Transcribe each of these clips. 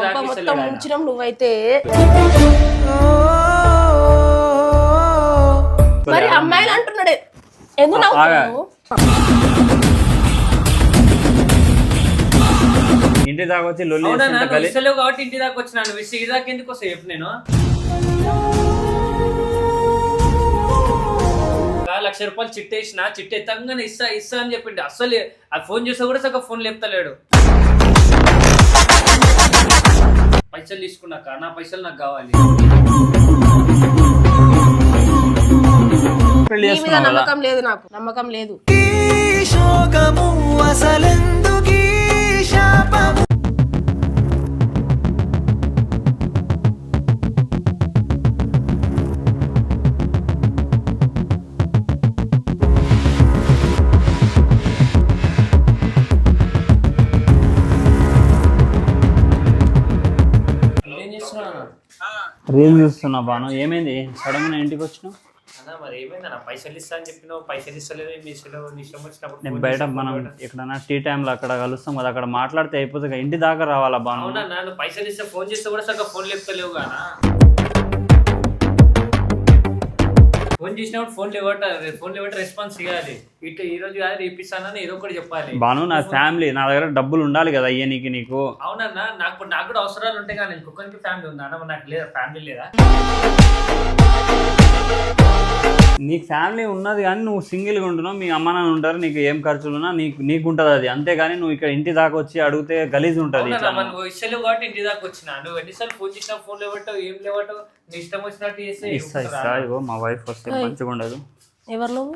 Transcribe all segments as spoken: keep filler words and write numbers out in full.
మొత్తం ముంచడం నువ్వైతే మరి అమ్మాయిలు అంటున్నాడే ఎందుకు నవ్వుతున్నావు? ఇంటి దాకా వచ్చి లొల్లి కాబట్టి ఇంటి దాకా వచ్చినాను ఇంటి దాకా ఎందుకు వస్తా చెప్పు. నేను లక్ష రూపాయలు చిట్టేసిన చిట్టు ఎత్తంగానే ఇస్తా ఇస్తా అని చెప్పిండు. అసలు ఆ ఫోన్ చేస్తే కూడా సగం ఫోన్ లేపుతలేడు. పైసలు తీసుకున్నాక నా పైసలు నాకు కావాలి. నమ్మకం లేదు, నాకు నమ్మకం లేదు. రీల్ చూస్తున్నా బాను. ఏమైంది సడన్ గా ఇంటికి వచ్చినావు? మరి ఏమైంది అన్న? పైసలు ఇస్తా అని చెప్పినావు, పైసలు ఇస్తలేదు. మీ ఇష్టం వచ్చినప్పుడు నేను బయట మనం ఎక్కడన్నా టీ టైంలో అక్కడ కలుస్తాం కదా, అక్కడ మాట్లాడితే అయిపోతుంది. ఇంటి దాకా రావాలా బాను? అవునా, నన్ను పైసలు ఇస్తే ఫోన్ చేస్తే కూడా సగం ఫోన్ లేపుతలేవు కానా? ఫోన్ చేసినప్పుడు ఫోన్ లేవట ఫోన్ లేవట రెస్పాన్స్ ఇవ్వాలి. ఇటు ఈ రోజు కాదు రేపిస్తానని ఏదో ఒకటి చెప్పాలి. బాను నా ఫ్యామిలీ, నా దగ్గర డబ్బులు ఉండాలి కదా అయ్యే నీకు నీకు. అవునన్నా, నాకు నాకు కూడా అవసరాలు ఉంటాయి కానీ ఇంకొకరికి ఫ్యామిలీ ఉందా అన్న? నాకు లేదా ఫ్యామిలీ లేదా? నీకు ఫ్యామిలీ ఉన్నది కానీ నువ్వు సింగిల్గా ఉంటున్నావు, మీ అమ్మ నాన్న ఉంటారు, నీకు ఏం ఖర్చులున్నా నీకు నీకు ఉంటుంది అది. అంతేగాని నువ్వు ఇక్కడ ఇంటి దాకా వచ్చి అడిగితే గలీజ్ ఉంటుంది. నువ్వు ఇష్టలేవు కాబట్టి ఇంటి దాకా వచ్చినా. నువ్వు ఎన్నిసార్లు ఫోన్ చేసినా ఫోన్ లేవటం ఏం లేవటం నీ ఇష్టం వచ్చినట్టు చేస్తే ఇస్తా ఇస్తా. ఇగో మా వైఫ్ వస్తే మంచిగా ఉండదు. ఎవరు నువ్వు?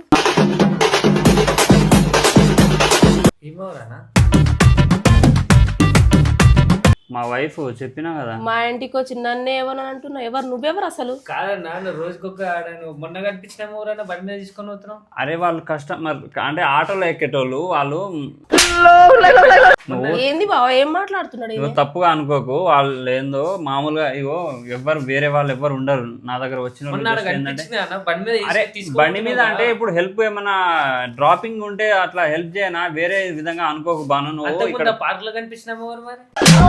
ఏమోరానా? మా వైఫ్ చెప్పినా కదా. మా ఇంటికి వచ్చి నన్ను ఏమని అంటున్నావు? ఎవరు నువ్వెవరు అసలు? కాదన్నా, నువ్వు రోజుకొక మొన్న కనిపించినాము ఎవరైనా బండి మీద తీసుకొని పోతున్నావు. అరే వాళ్ళు కస్టమర్ అంటే ఆటోలో ఎక్కేటోళ్ళు వాళ్ళు. ఏంది బావ ఏం మాట్లాడుతున్నాడు? ఇగో తప్పుగా అనుకోకు, వాళ్ళు ఏందో మామూలుగా ఇగో ఎవ్వరు వేరే వాళ్ళు ఎవ్వరు ఉండరు నా దగ్గర వచ్చిన. అరే బండి మీద అంటే ఇప్పుడు హెల్ప్ ఏమన్నా డ్రాపింగ్ ఉంటే అట్లా హెల్ప్ చేయనా, వేరే విధంగా అనుకోకు బాను. నువ్వు ఇక్కడ పార్క్ లో కనిపించినాము ఎవరు మరి?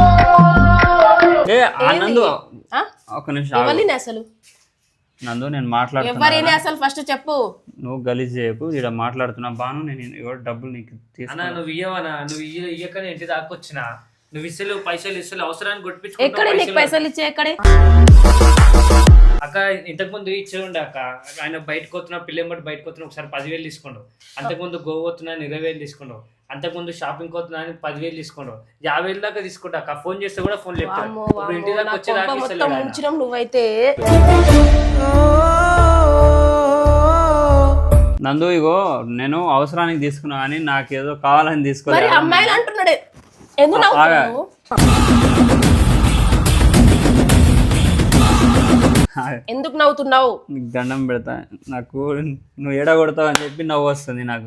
ఏ నందు ఒక నిమిషం అసలు నందు నేను మాట్లాడుతున్నా అసలు ఫస్ట్ చెప్పు. నువ్వు గలీజ్ చేయకు, ఇక్కడ మాట్లాడుతున్నా బాను. నేను డబ్బులు నీకు తీసుకున్నా. నువ్వు ఇయ్యవనా? నువ్వు ఇయ్యకనే ఇంటి దాకొచ్చినా. నువ్వు ఇస్తలు పైసలు ఇస్తలు అవసరాన్ని కొట్టించుకో. ఎక్కడ నీకు పైసలు ఇచ్చే ఎక్కడే? అక్క ఇంతకు ముందు ఇచ్చే ఉండే అక్క. ఆయన బయటకు వస్తున్నా పిల్లలు బట్టి బయటకు వస్తున్నా ఒకసారి పదివేలు తీసుకుండు. అంతకుముందు గోవా వస్తున్నా ఇరవై వేలు తీసుకుండు. అంతకుముందు షాపింగ్ పోతున్నా అని పదివేలు తీసుకుండు. యాభై వేలు దాకా తీసుకుంటా అక్క. ఫోన్ చేస్తే కూడా ఫోన్ లేపుతాడు. ఇంటి దాకా వచ్చేదాకా నువ్వైతే నందు ఇగో నేను అవసరానికి తీసుకున్నా కానీ నాకేదో కావాలని తీసుకోవాలి. అమ్మాయిలు అంటున్నాడే ఎందుకు నవ్వుతున్నావు? ఎందుకు నవ్వుతున్నావు? నీకు దండం పెడతా, నాకు నువ్వు ఏడ కొడతావు అని చెప్పి నవ్వు వస్తుంది నాకు.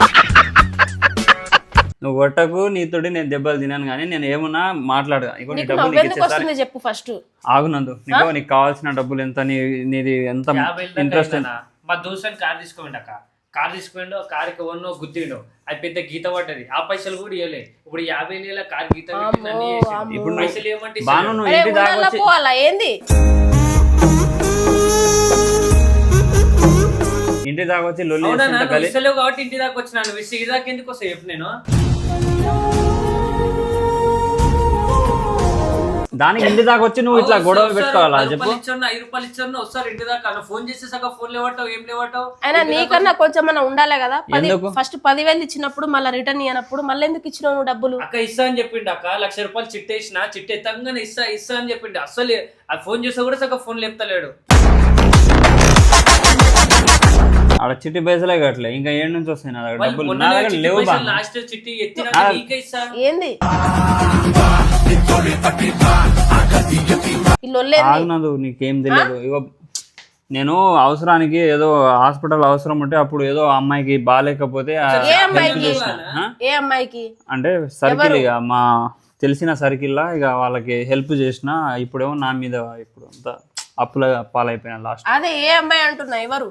నువ్వు కొట్టకు, నీతోటి నేను దెబ్బలు తినాను కానీ నేను ఏమన్నా మాట్లాడగా. ఇగో నీ డబ్బులు నీకు ఇచ్చేసారి చెప్పు ఫస్ట్. ఆగునందు, నీకు నీకు కావాల్సిన డబ్బులు ఎంత, నీది ఎంత ఇంట్రెస్ట్. మా దోస్తుని కార్ తీసుకోండి అక్క. కార్ తీసుకోండు, కార్కి వన్నో గుద్దిండు, అది పెద్ద గీత పడ్డది. ఆ పైసలు కూడా ఇవ్వలే. ఇప్పుడు యాభై వేల కార్ గీత ఇప్పుడు పైసలు ఏమంటే బాను నువ్వు ఇంటి దాకా వచ్చి ఏంది ఇంటి దాకా వచ్చి లొల్లి ఇస్తలేవు కాబట్టి ఇంటి దాకా వచ్చినాను. ఇంటి దాకా ఎందుకు వస్తా చెప్పు. నేను దానికి ఇంటి దాకా వచ్చి నువ్వు ఇట్లా గొడవ పెట్టుకోవాలా చెప్పు? ఐదు రూపాయలు ఇచ్చాను వస్తారు ఇంటి దాకా. ఫోన్ చేస్తే సగం ఫోన్ లేవటావు ఏం లేవటావు. అయినా నీకన్నా కొంచెం మనం ఉండాలి కదా. ఫస్ట్ పదివేలు ఇచ్చినప్పుడు మళ్ళీ రిటర్న్ ఇవ్వనప్పుడు మళ్ళీ ఎందుకు ఇచ్చినావు నువ్వు డబ్బులు? అక్క ఇస్తా అని చెప్పిండు అక్క. లక్ష రూపాయలు చిట్టేసిన చిట్టు ఎత్తంగానే ఇస్తా ఇస్తా అని చెప్పిండు. అసలు ఆ ఫోన్ చేస్తే కూడా సగం ఫోన్ లేపుతలేడు. ఆడ చిట్టి పైసలే కట్టలే, ఇంకా ఏడు నుంచి వస్తాయి నా దగ్గర డబ్బులు. నా దగ్గర లేవు. లాస్ట్ చిట్టి ఎత్తినా ఏంది ఆగునదు, నీకేం తెలియదు. ఇగో నేను అవసరానికి ఏదో హాస్పిటల్ అవసరం ఉంటే అప్పుడు ఏదో అమ్మాయికి బాగాలేకపోతే అంటే సర్కిల్ ఇక మా తెలిసిన సర్కిల్ లా ఇక వాళ్ళకి హెల్ప్ చేసిన. ఇప్పుడేమో నా మీద ఇప్పుడు అంతా అప్పుల పాలైపోయినా లాస్ట్. అదే ఏ అమ్మాయి అంటున్నా? ఎవరు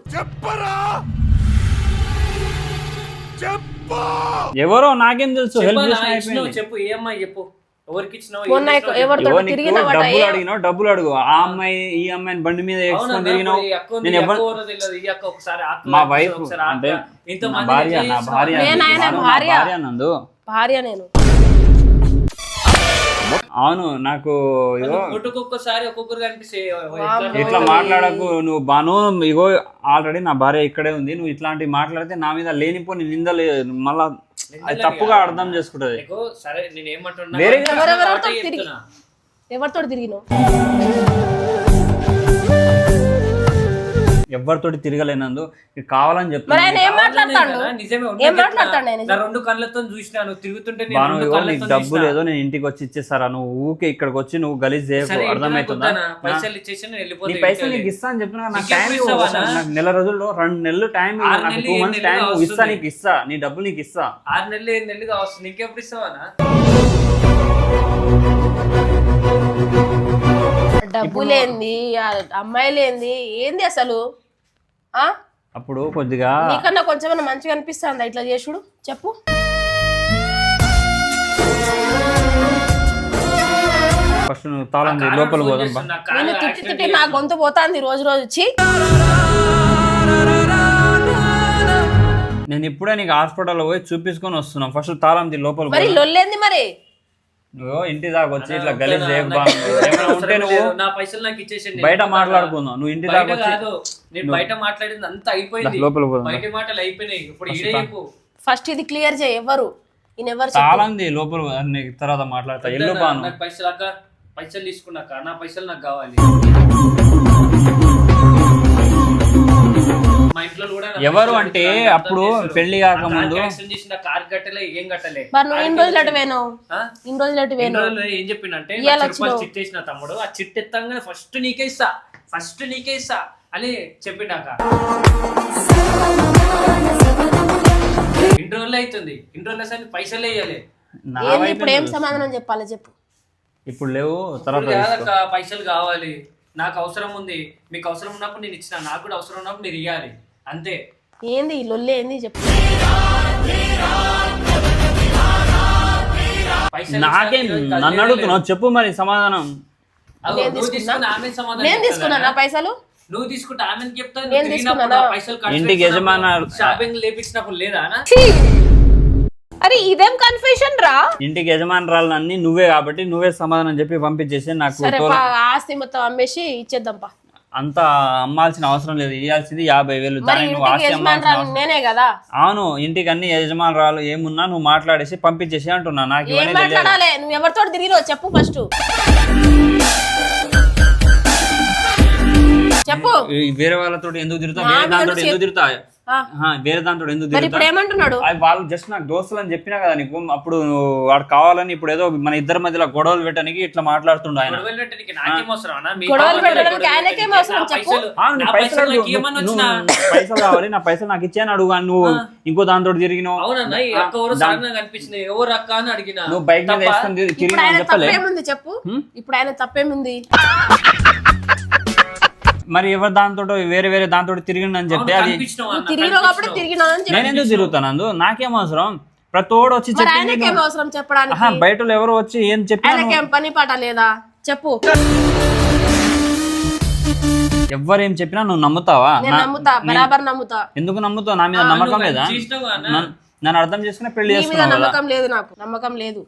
ఎవరో నాకేం తెలుసు. హెల్ప్ చేసిన చెప్పు. ఏ అమ్మాయి చెప్పు. ఎవరికి ఇచ్చినావు మొన్న ఎవరితో ఎవరు నీకు తిరిగినావట డబ్బులు అడిగినావు డబ్బులు అడుగు ఆ అమ్మాయి ఈ అమ్మాయిని బండి మీద వేసుకొని తిరిగినావు నేను ఎవరు మా వైఫ్ అంటే నా భార్య నా భార్య నేను ఆయన నా భార్య. భార్య నందు భార్య నేను అవును నాకు ఇగో ఒక్కొక్కసారి ఒక్కొక్కరు కనిపిస్తే ఇట్లా మాట్లాడకు నువ్వు బాను ఇగో ఆల్రెడీ నా భార్య ఇక్కడే ఉంది నువ్వు ఇట్లాంటివి మాట్లాడితే నా మీద లేనిపోని నిందలే మళ్ళా అది తప్పుగా అర్థం చేసుకుంటది సరే నేను ఏమంటున్నా వేరే ఎవరెవరితో తిరిగి ఎవరితో తిరిగినావు ఎవరితోటి తిరగలేనందు ఇది కావాలని మరి ఆయన చెప్తాను ఏం మాట్లాడతాడు నిజమే ఏం మాట్లాడతాడు ఆయన నా రెండు కళ్ళతో చూసినాను తిరుగుతుంటే నేను బాను రెండు ఇగో నీకు కళ్ళతో డబ్బు చూసినా. లేదో నేను ఇంటికి వచ్చి ఇచ్చేస్తారా నువ్వు ఊకే ఇక్కడికి వచ్చి నువ్వు గలీజ్ చేయకు సరే, అర్థమవుతుందా ఇంటికి వద్దానా? పైసలు ఇచ్చేసి నేను నీ వెళ్ళిపోతే పైసలు నీకు ఇస్తా అని చెప్పిన నాకు ఇంకెప్పుడు టైం ఇస్తావా ఇవ్వు. అన్న? నాకు నెల రోజుల్లో రెండు నెలలు టైం ఇవ్వు. ఆరు నాకు నెలలు, టూ ఏడు మంత్స్ నెలలు టైం ఇవ్వు. ఇస్తా వస్తుంది. నీకు ఇస్తా నీ డబ్బులు నీకు ఇస్తా ఆరు నెలలు ఏడు నెలలుగా వస్తుంది ఇంకెప్పుడు ఇస్తావానా డబ్బులేంది అమ్మాయిలేంది ఏంది అసలు ఆ అప్పుడు కొద్దిగా నీకన్నా కొంచెం మంచిగా అనిపిస్తుందా ఇట్లా చేసుడు చెప్పు ఫస్ట్ నువ్వు తాళం తీయి, లోపల పోదాం బా. నా కారు నేను తిట్టి accident తిట్టి నా గొంతు పోతాంది రోజు రోజు వచ్చి నేను ఇప్పుడే నీకు హాస్పిటల్లో పోయి చూపించుకొని వస్తున్నా ఫస్ట్ తాళం తీ లోపల మరి పోదాం. లొల్లేంది మరి నువ్వు ఇంటి దాకా వచ్చి ఇట్లా వద్దా గలీజ్ నా- చేయకు బా. నాకు ఏమైనా అవసరం ఉంటే నువ్వు లేదు. నా పైసలు నాకు ఇచ్చేసి బయట మాట్లాడుకుందాం నువ్వు ఇంటి దాకా బయట వచ్చి కాదు నేను బయట మాట్లాడింది అంతా అయిపోయింది లోపల పోదాం. బయట మాటలు అయిపోయినాయి ఇప్పుడు ఇడే చెప్పు ఫస్ట్ ఇది క్లియర్ చేయి ఎవరు ఈయన ఎవరు చెప్పు. తాళం తీ లోపల పోదాం. నీకు తర్వాత మాట్లాడతా ఎల్లు వద్దా? బాను నాకు పైసలు అక్క పైసలు తీసుకున్నాక నా పైసలు నాకు కావాలి మా ఇంట్లో కూడా నా ఎవరు పైసలు అంటే అడుగుతున్నారు, అప్పుడు అర్థం చేస్తారు. పెళ్లి కాకముందు ఆ కార్ యాక్సిడెంట్ చేసిన కార్ కట్టలే ఏం కట్టలే మరి నువ్వు ఇన్ని రోజులు అటు పోయినావు ఆ? ఇన్ని రోజులు అటు ఎన్ని పోయినావు రోజులు ఏం చెప్పిండంటే ఇయ్యాల లక్ష రూపాయలు వచ్చినావు. చిట్ వేసిన తమ్ముడు ఆ చిట్ ఎత్తంగానే ఫస్ట్ నీకే ఇస్తా ఫస్ట్ నీకే ఇస్తా అని చెప్పిండాక ఇన్ని రోజులు అవుతుంది ఇన్ని రోజులు అసలు పైసలు వేయాలి నా ఏంది వైపు ఇప్పుడు ఏం సమాధానం చెప్పాలి చెప్పు ఇప్పుడు లేవు తర్వాత ఇప్పుడు తీసుకో. కాదక్క పైసలు కావాలి నాకు అవసరం ఉంది మీకు అవసరం ఉన్నప్పుడు నేను ఇచ్చిన నాకు కూడా అవసరం ఉన్నప్పుడు మీరు ఇవ్వాలి అంతే ఏంది ఈ లొల్లి ఏంది చెప్పు పైసలు నాకేం ఇచ్చినా ఈరోజు నన్ను కలిసి అడుగుతున్నావు చెప్పు మరి సమాధానం అగో, నేను నువ్వు తీసుకున్నా? తీసుకున్న ఆమె సమాధానం నేను చెప్తుందా? తీసుకున్నా నా పైసలు నువ్వు తీసుకుంటే ఆమెను చెప్తా నేను నువ్వు తిరిగినప్పుడు తీసుకున్నానా? ఆ పైసలు ఖర్చు ఇంటికి పెట్టినప్పుడు, యజమాన- షాపింగ్ లేపించినప్పుడు లేదా అన్న? అరే ఇదేం కన్ఫ్యూషన్ రా ఇంటికి యజమానురాలు అన్ని నువ్వే కాబట్టి నువ్వే సమాధానం చెప్పి పంపించేసి నాకు సరే తోల- పా, ఆస్తి మొత్తం అమ్మేసి ఇచ్చేద్దాం పా అంత అమ్మాల్సిన అవసరం లేదు ఇవ్వాల్సింది యాభై వేలు మరి దానికి నువ్వు ఇంటికి ఆస్తి అమ్మాల్సిన యజమానురాలు అవసరం- నేనే కదా అవును ఇంటికి అన్ని యజమానురాలు ఏమున్నా నువ్వు మాట్లాడేసి పంపించేసి అంటున్నా నాకు ఏం ఇవన్నీ తెలియదు మాట్లాడాలి నువ్వు ఎవరితో తిరిగినావు చెప్పు ఫస్ట్ చెప్పు ఈ వేరే వాళ్ళతో ఎందుకు తిరుగుతా నా వేరే దాంతో మీద ఎందుకు తిరుగుతా ఆ. ఆహా, వేరే దాంతో ఎందుకు మరి తిరుగుతా ఇప్పుడు ఏమంటున్నాడు అది వాళ్ళు జస్ట్ నాకు దోస్తులు అని చెప్పినా కదా నీకు అప్పుడు నువ్వు వాడు కావాలని ఇప్పుడు ఏదో మన ఇద్దరి మధ్యలో గొడవలు పెట్టడానికి ఇట్లా మాట్లాడుతుండ ఆయన గొడవలు పెట్టడానికి నాకేం అవసరం అన్న? మీ గొడవలు కావాలి, పెట్టడానికి గొడవలు ఆయనకేం పెట్టడానికి అవసరం నా చెప్పు? పైసలు- ఆ, నీ నా పైసలు పైసలు నాకు అడుగు. ఏమన్నా నువ్వు- వచ్చినా? నువ్వు పైసలు కావాలి నా పైసలు నాకు ఇచ్చాను అడుగు అని నువ్వు ఇంకో దాంతో తిరిగినావు అవునన్నా ఈ అక్క ఎవరు సాధన కనిపించింది ఎవరు అక్క అని అడిగిన నువ్వు బైక్ మీద తప్పా? వేసుకొని తిరిగి- ఇప్పుడు తిరిగినావు ఆయన అని చెప్పలే తప్పేముంది చెప్పు ఇప్పుడు ఆయన తప్పేముంది మరి ఎవరు దాంతో వేరే వేరే దాంతో తిరిగిండని చెప్పి అవును, అది కనిపించినావు అన్న, తిరిగినావు కాబట్టి కనిపించినావు. తిరిగినావు అని చెప్పి నేను ఎందుకు తిరుగుతాను అందు నాకేం అవసరం ప్రతోడు వచ్చి మరి చెప్పింది ఆయనకేం నువ్వు- అవసరం చెప్పడానికి ఆహా, బయట వాళ్ళు ఎవరు వచ్చి ఏం చెప్పినా నువ్వు- ఆయనకేం పని పాట లేదా చెప్పు ఎవ్వరు ఏం చెప్పినా నువ్వు నమ్ముతావా నేను నా- నమ్ముతా బరాబర్ నమ్ముతా ఎందుకు నమ్ముతావు నా మీద ఆ, నమ్మకం నువ్వు లేదా చేసినావు అన్న. నన్ను- నన్ను అర్థం చేసుకుని పెళ్లి నీ మీద చేసుకున్నావు కదా నమ్మకం లేదు నాకు నమ్మకం లేదు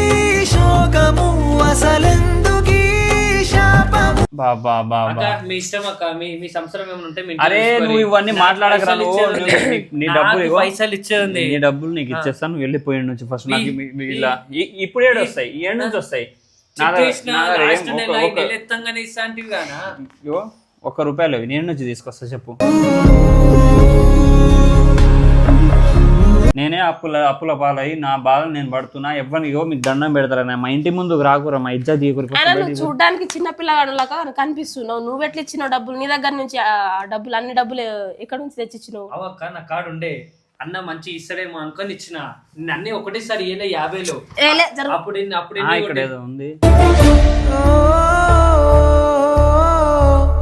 బాబా బాబా అక్క మీ ఇష్టం అక్క మీ మీ సంవత్సరం ఏమైనా ఉంటే మీ ఇంట్లో అరే చూసుకోరి. నువ్వు ఇవన్నీ నాకు మాట్లాడకరా పైసలు నువ్వు ఇచ్చేది నువ్వు- ఉంది. నీ- నీ నాకు డబ్బులు ఇవ్వు. పైసలు ఇచ్చేది నీ డబ్బులు నీకు ఇచ్చేస్తాను నువ్వు వెళ్ళిపోయిన నుంచి ఫస్ట్ నాకు మీ- మీ ఇలా ఈ- ఇప్పుడు ఏడు వస్తాయి ఈ ఏడు నుంచి వస్తాయి నా దగ్గర- నా దగ్గర ఏం ఒక- ఒక- ఎత్తంగానే ఇస్తాంటివి గానా ఇగో, ఒక్క రూపాయలు ఇవి. నేను నుంచి తీసుకొస్తా చెప్పు నేనే అప్పుల అప్పుల పాలయ్యి నా బాధ నేను పడుతున్నా ఎవరిని ఇగో మీకు దండం పెడతారా మా ఇంటి ముందుకు రాకురా మా ఇజ్జత్ తీయకురు ఆయన నువ్వు చూడడానికి చిన్న పిల్లగాడులాగా కనిపిస్తున్నావు నువ్వు ఎట్లా ఇచ్చినావు డబ్బులు నీ దగ్గర నుంచి ఆ డబ్బులు అన్ని డబ్బులు ఎక్కడ నుంచి తెచ్చిచ్చినావు అవక్క నా కాడు ఉండే అన్న మంచి ఇస్తాడేమో అనుకొని ఇచ్చిన నేను అన్ని ఒకటేసారి ఏలే యాభైలో ఏలే జరుగు అప్పుడు ఎన్ని- అప్పుడు ఆ, ఎన్ని ఇక్కడ కొట్టే- ఏదో ఉంది